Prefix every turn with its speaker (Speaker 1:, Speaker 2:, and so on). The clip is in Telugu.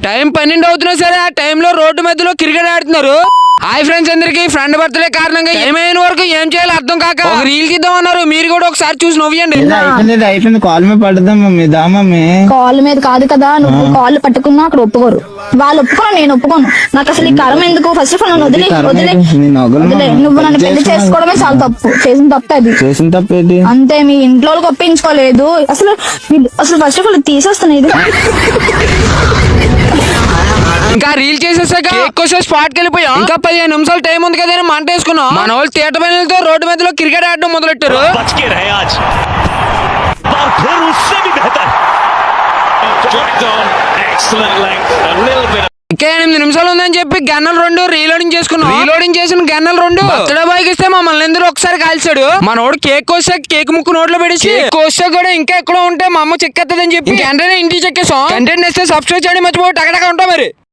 Speaker 1: టైం 12 అవుతున్నా సరే ఆ టైంలో రోడ్డు మధ్యలో క్రికెట్ ఆడుతున్నారు. హాయ్ ఫ్రెండ్స్ అందరికి, ఫ్రెండ్ బర్త్డే కారణంగా ఏమైనా వరకు ఏం చేయాలో అర్థం కాక ఒక రీల్ తీద్దాం అన్నారు. మీరు కూడా ఒకసారి చూసి నవ్వండి.
Speaker 2: అయిపోయింది కాల్ మీద పడుద్దాం మమ్మీ. దా మమ్మీ,
Speaker 3: కాల్ మీద కాదు కదా, నువ్వు కాల్ పట్టుకున్నా అక్కడ ఒప్పుకోరు. వాళ్ళు ఒప్పుకోను, నేను ఒప్పుకోను. నాకు అసలు ఈ కరం ఎందుకు? ఫస్ట్ ఆఫ్ ఆల్ నన్ను వదిలే వదిలే. నువ్వు నన్ను పెళ్లి చేసుకోవడమే చాలా తప్పు. చేసిన తప్పు అది.
Speaker 2: చేసిన తప్పేంటి?
Speaker 3: అంతే, మీ ఇంట్లో వాళ్ళకి ఒప్పించుకోలేదు. అసలు ఫస్ట్ ఆఫ్ ఆల్ తీసేస్తున్నాయి ఇది.
Speaker 1: ఇంకా రీల్ చేసేసాక స్పాట్ కి వెళ్ళిపోయాం. ఇంకా 15 నిమిషాలు టైం ఉంది కదా మంట వేసుకున్నాం. మన వాళ్ళు థియేటర్ పైనలతో రోడ్డు మధ్యలో క్రికెట్ ఆడడం మొదలెట్టారు. ఇంకా 8 నిమిషాలు ఉందని చెప్పి గన్నలు 2 రీలోడింగ్ చేసుకున్నాం. రీలోడింగ్ చేసిన గన్నలు 2 బర్త్డే బాయ్కి ఇస్తే మమ్మల్ని అందరూ ఒకసారి కాల్చాడు. మనోడు కేక్ కోసా కేక్ ముక్కు నోట్లో పెడిచి కోసా కూడా ఇంకా ఎక్కడో ఉంటే మా అమ్మ చెక్కేస్తుందని చెప్పి వెంటనే ఇంటికి చెక్కేసాం. కంటెంట్ ఇస్తే సబ్స్క్రైబ్ చేయడం మర్చిపోయి టకటక ఉంటాం మరి.